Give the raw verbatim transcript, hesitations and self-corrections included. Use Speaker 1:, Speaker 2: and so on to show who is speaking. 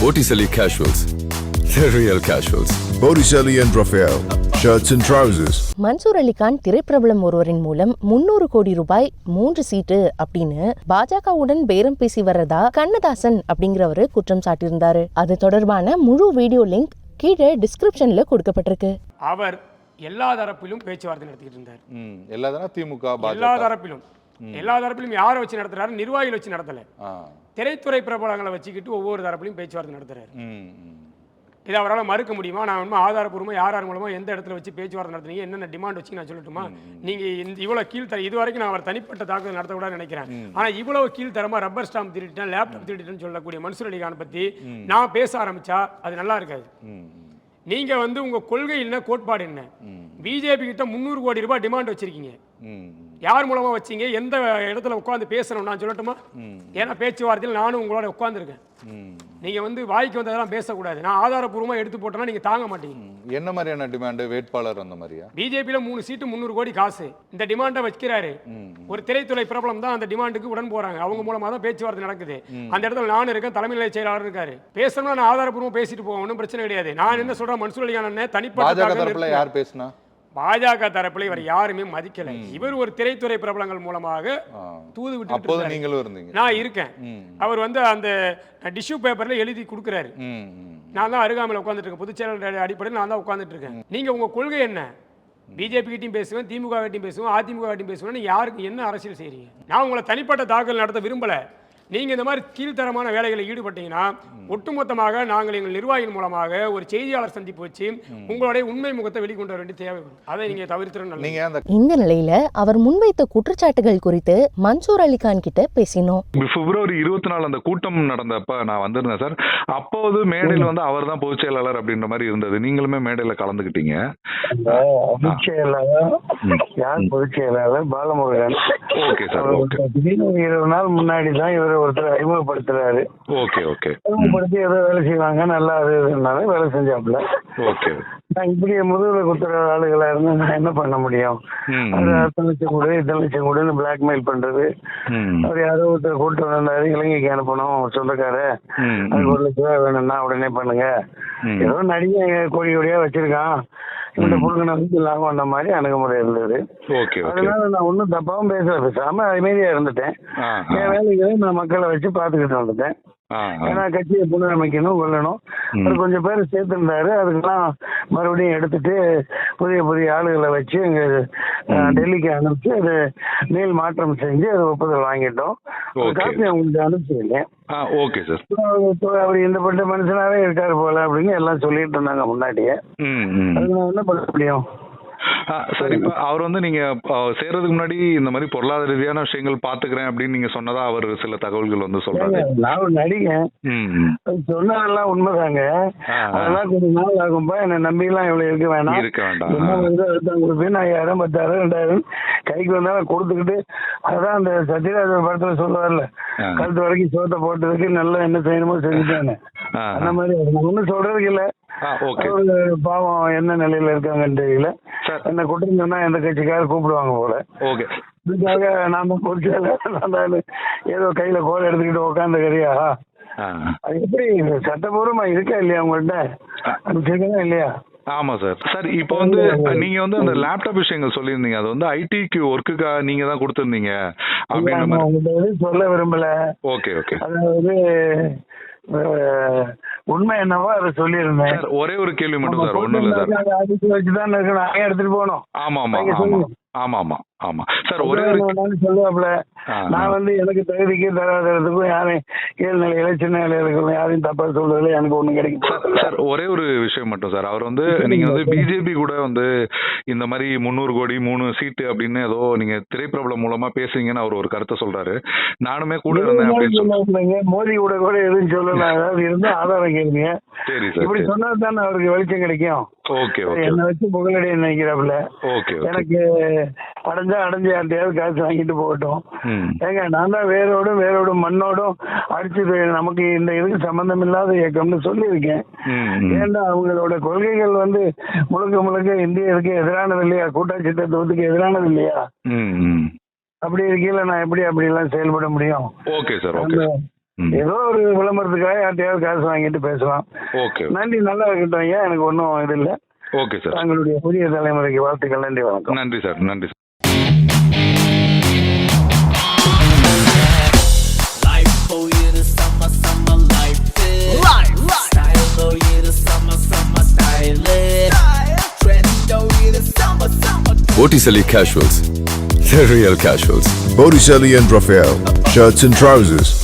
Speaker 1: Botticelli Casuals. The real casuals.
Speaker 2: Botticelli and Raphael. Shirts and trousers.
Speaker 3: Mansoor Ali Khan திரைப்பிரபலம் ஒருவரின் மூலம் முன்னூறு கோடி ரூபாய் மூன்று சீட்டு அப்படின்னு பாஜகவுடன் பேரம் பேசி வர்றதா கண்ணதாசன் அப்படிங்கிறவரு குற்றம் சாட்டியிருந்தாரு. அது தொடர்பான முழு வீடியோ லிங்க் கீழே டிஸ்கிரிப்ஷன்ல கொடுக்கப்பட்டிருக்கு.
Speaker 4: அவர் எல்லா தரப்பிலும் பேச்சுவார்த்தை நடத்திட்டு இருந்தார்.
Speaker 5: எல்லா தரப்பிலும் திமுக
Speaker 4: எல்லா தரப்பிலும் எல்லா தரப்பிலும் யாரை வச்சு நடத்துறாரு? நிர்வாகிகள் வச்சு நடத்தல, திரைத்துறை பிரபலங்களை வச்சுக்கிட்டு ஒவ்வொரு தரப்பிலும் பேச்சுவார்த்தை நடத்துறாரு. இதை அவரால் மறுக்க முடியுமா? நான் வந்து ஆதாரப்பூர்வமாக யார் யார் மூலமாக எந்த இடத்துல வச்சு பேச்சுவார்த்தை நடத்துனீங்க, என்னென்ன டிமாண்ட் வச்சு நான் சொல்லட்டுமா? நீங்கள் இந்த இவ்வளோ கீழ்த்தர இது வரைக்கும் நான் அவர் தனிப்பட்ட தாக்குதல் நடத்தக்கூடாது நினைக்கிறேன். ஆனால் இவ்வளவு கீழ்த்தரமாக ரப்பர் ஸ்டாம்ப் திருட்டேன், லேப்டாப் திருட்டேன்னு சொல்லக்கூடிய மன்சூர் அலிகான் பற்றி நான் பேச ஆரம்பிச்சா அது நல்லா இருக்காது. நீங்க வந்து உங்க கொள்கை என்ன, கோட்பாடு என்ன? பிஜேபி கிட்ட முன்னூறு கோடி ரூபாய் டிமாண்ட் வச்சிருக்கீங்க. யார் மூலமா வச்சீங்க, எந்த இடத்துல உட்காந்து பேசணும் நான் சொல்லட்டுமா? ஏன்னா பேச்சுவார்த்தையில் நானும் உங்களோட உட்காந்துருக்கேன். நீங்க வந்து வாய்க்கு வந்ததெல்லாம் பேசக்கூடாது. நான் ஆதாரப்பூர்வமா எடுத்து போட்டேன்னா நீங்க தாங்க மாட்டீங்க.
Speaker 5: என்ன மாதிரியான டிமாண்ட்? வேட்பாளர் அந்த மாதிரியா?
Speaker 4: பிஜேபியில மூணு சீட்டு முன்னூறு கோடி காசு இந்த டிமாண்டை வச்சுக்கிறாரு. ஒரு திரைத்துறை பிரபலம் தான் அந்த டிமாண்டுக்கு உடன் போறாங்க. அவங்க மூலமா தான் பேச்சுவார்த்தை நடக்குது. அந்த இடத்துல நானும் இருக்கேன், தலைமை நிலைய செயலாளர் இருக்காரு. பேசணும்னா நான் ஆதாரப்பூர்வமா பேசிட்டு போவேன், ஒன்றும் பிரச்சனை கிடையாது. நான் என்ன சொல்றேன், மன்சூர் அலிகான் தனிப்பட்ட
Speaker 5: யார் பேசினா
Speaker 4: பாஜக தரப்புல இவர் யாருமே மதிக்கல. இவர் ஒரு திரைத்துறை பிரபலங்கள் மூலமாக தூது விட்டு
Speaker 5: நீங்களும் இருந்தீங்க,
Speaker 4: நான் இருக்கேன். அவர் வந்து அந்த டிஷ்யூ பேப்பர்ல எழுதி கொடுக்குறாரு. நான் தான் அருகாமையில் உட்காந்துட்டு இருக்கேன், பொதுச் செயலாளர் அடிப்படையில் நான் தான் உட்காந்துட்டு இருக்கேன். நீங்க உங்க கொள்கை என்ன? பிஜேபி கிட்டையும் பேசுவேன், திமுக கிட்டையும் பேசுவேன், அதிமுக கிட்டையும் பேசுவேன். யாருக்கு என்ன அரசியல் செய்றீங்க? நான் உங்களை தனிப்பட்ட தாக்கல் நடத்த விரும்பல. நீங்கள் இந்த மாதிரி கீழ்த்தரமான வேலைகளில் ஈடுபட்டீங்கன்னா ஒட்டுமொத்தமாக நாங்கள் எங்கள் நிர்வாகிகள் மூலமாக ஒரு செய்தியாளர் சந்திப்பு வச்சு உங்களுடைய உண்மை முகத்தை வெளிக்கொண்டு வர வேண்டிய தேவைப்படும். அதை நீங்கள் தவிர்த்து.
Speaker 3: இந்த நிலையில அவர் முன்வைத்த குற்றச்சாட்டுகள் குறித்து மன்சூர் அலிகான் கிட்ட பேசினோம்.
Speaker 6: பிப்ரவரி இருபத்தி நாலு அந்த கூட்டம் நடந்தப்ப நான் வந்திருந்தேன் சார். அப்போது மேடையில் வந்து அவர் தான் பொதுச் செயலாளர் அப்படின்ற மாதிரி இருந்தது. நீங்களுமே மேடையில கலந்துக்கிட்டீங்க.
Speaker 7: பொதுச் செயலாளர் பாலமுருகன்.
Speaker 6: Okay sir. ஓகே.
Speaker 7: இருபது நாள் முன்னாடி தான் இவர் ஒருத்தர் அறிமுகப்படுத்துறாரு.
Speaker 6: Okay okay.
Speaker 7: அறிமுகப்படுத்தி ஏதோ வேலை செய்வாங்க, நல்லா அது வேலை செஞ்சாப்புல.
Speaker 6: ஓகே.
Speaker 7: நான் இப்படி முதுகுல குத்துற ஆளுகளா இருந்து நான் என்ன பண்ண முடியும்? அவர் அத்தனை லட்சம் கூட இத்தனை லட்சம் கூடன்னு பிளாக்மெயில் பண்றது. அவர் யாரோ ஒருத்தர் கூட்டு வந்தாரு, இலங்கைக்கு அனுப்பணும் சொந்தக்கார, அதுக்கு ஒரு லட்சம் ரூபாய் வேணும்னா உடனே பண்ணுங்க. ஏதோ நடிகை கோடி கோடியா வச்சிருக்கான், இந்த புழுங்கனை வந்து லாபம் அந்த மாதிரி அணுகுமுறை இருந்தது. அதனால நான் ஒன்னும் தப்பாவும் பேசல, பேசாம அமைதியா இருந்துட்டேன். என் வேலைகளை நான் மக்களை வச்சு பாத்துக்கிட்டு வந்துட்டேன். ஏன்னா கட்சியை புனரமைக்கணும், கொள்ளணும். அது கொஞ்சம் பேர் சேர்த்திருந்தாரு, அதுக்கெல்லாம் மறுபடியும் எடுத்துட்டு புதிய புதிய ஆளுகளை வச்சு எங்க டெல்லிக்கு அனுப்பிச்சு அது மேல் மாற்றம் செஞ்சு அது ஒப்புதல் வாங்கிட்டோம். காப்பி அவங்களுக்கு அனுப்பிச்சிருக்கேன். அவர் இந்த பட்ட மனுஷனாவே இருக்காரு போல அப்படின்னு எல்லாம் சொல்லிட்டு இருந்தாங்க முன்னாடியே. அது நான் என்ன பண்ண முடியும்?
Speaker 6: சரி, இப்ப அவர் வந்து நீங்க சேர்றதுக்கு முன்னாடி இந்த மாதிரி பொருளாதார ரீதியான விஷயங்கள் பாத்துக்கிறேன் அப்படின்னு நீங்க சொன்னதா அவர் சில தகவல்கள் வந்து சொல்றாங்க.
Speaker 7: நான் ஒரு நடிகன், சொன்னதெல்லாம் உண்மைதாங்க. அதெல்லாம் கொஞ்சம் நாள் ஆகும்பா, என்ன நம்பி எல்லாம் இவ்வளவு இருக்க வேணாம்,
Speaker 6: இருக்க வேண்டாம்.
Speaker 7: கொடுப்பேன், ஐயாயிரம் பத்தாயிரம் ரெண்டாயிரம் கைக்கு வந்தாலும் கொடுத்துக்கிட்டு, அதான் அந்த சத்யராஜ் படத்துல சொல்லுவார்ல, கழுத்து வரைக்கும் சோத்தை போட்டதுக்கு நல்லா என்ன செய்யணுமோ செஞ்சுட்டாங்க. அந்த மாதிரி ஒன்னும் சொல்றதுக்கு இல்ல. பாவம் என்ன நிலையில இருக்காங்கன்னு தெரியல. என்ன குற்றம் சொன்னா எந்த கட்சிக்காக கூப்பிடுவாங்க போல. இதுக்காக நான் தான் பொறுச்சால ஏதோ கையில கோல் எடுத்துக்கிட்டு உட்காந்து கறியா? அது எப்படி சட்டபூர்வமா இருக்கா இல்லையா உங்கள்கிட்ட? அனுப்பிச்சிருக்கா இல்லையா?
Speaker 6: ஆமா சார். சார் இப்போ வந்து நீங்க வந்து அந்த லேப்டாப் விஷயங்கள் சொல்லியிருந்தீங்க, அது வந்து ஐடிக்கு ஒர்க்குக்கா நீங்க தான் கொடுத்துருந்தீங்க அப்படின்னு
Speaker 7: சொல்ல விரும்பல.
Speaker 6: Okay okay.
Speaker 7: அதாவது உண்மை என்னவோ அதை சொல்லியிருந்தேன்.
Speaker 6: ஒரே ஒரு கேள்வி மட்டும் சார், ஒண்ணும் இல்ல சார்.
Speaker 7: அதுக்கு வச்சுதான் நானே எடுத்துட்டு போனோம்.
Speaker 6: ஆமா ஆமா ஆமா ஆமா ஆமா ஆமா சார். ஒரே ஒரு
Speaker 7: சொல்லுவாப்ல, நான் வந்து எனக்கு தகுதிக்கு தராதறதுக்கும் யாரையும் கீழ்நிலையில சின்ன நிலையில யாரையும் தப்பா சொல்றதுல எனக்கு ஒண்ணு கிடைக்கும்
Speaker 6: சார். ஒரே ஒரு விஷயம் மட்டும் சார், அவர் வந்து நீங்க வந்து பிஜேபி கூட வந்து இந்த மாதிரி முன்னூறு கோடி மூணு சீட்டு அப்படின்னு ஏதோ நீங்க திரைப்பிரபலம் மூலமா பேசுறீங்கன்னு அவர் ஒரு கருத்தை சொல்றாரு. நானுமே கூட இருந்தேன் அப்படின்னு
Speaker 7: சொல்லுவாங்க. மோடி கூட கூட எதுவும் சொல்லலாம், ஏதாவது இருந்தா ஆதாரம் கேளுங்க.
Speaker 6: சரி சார்.
Speaker 7: இப்படி சொன்னா தானே அவருக்கு வெளிச்சம் கிடைக்கும்.
Speaker 6: Okay okay.
Speaker 7: என்ன வச்சு புகழடைய நினைக்கிறாப்புல.
Speaker 6: ஓகே.
Speaker 7: எனக்கு அடைஞ்சா அடைஞ்சு யார்ட்டையாவது காசு வாங்கிட்டு போகட்டும். ஏங்க நான் தான் வேரோடும் வேரோடும் மண்ணோடும் அடிச்சு நமக்கு இந்த இதுக்கு சம்பந்தம் இல்லாத இயக்கம்னு சொல்லியிருக்கேன். ஏன்னா அவங்களோட கொள்கைகள் வந்து முழுக்க முழுக்க இந்தியருக்கு எதிரானது இல்லையா, கூட்டாட்சி தத்துவத்துக்கு எதிரானது இல்லையா? அப்படி இருக்கையில நான் எப்படி அப்படி எல்லாம் செயல்பட முடியும்?
Speaker 6: Okay sir. ஓகே. ம்.
Speaker 7: ஏதோ ஒரு விளம்பரத்துக்காக யார்ட்டையாவது காசு வாங்கிட்டு பேசலாம்.
Speaker 6: ஓகே
Speaker 7: நன்றி, நல்லா இருக்கட்டும் ஐயா, எனக்கு ஒன்றும் இது இல்லை.
Speaker 6: Okay sir.
Speaker 7: தங்களுடைய புதிய தலைமுறைக்கு வாழ்த்துக்கள். நன்றி, வணக்கம்.
Speaker 6: நன்றி சார். நன்றி சார்.
Speaker 8: Life for you the summer, summer life is. Life, life. Style for you the summer, summer style is. Trend for you the summer, summer.
Speaker 1: Botticelli Casuals. The real casuals.
Speaker 2: Botticelli and Raphael, shirts and trousers.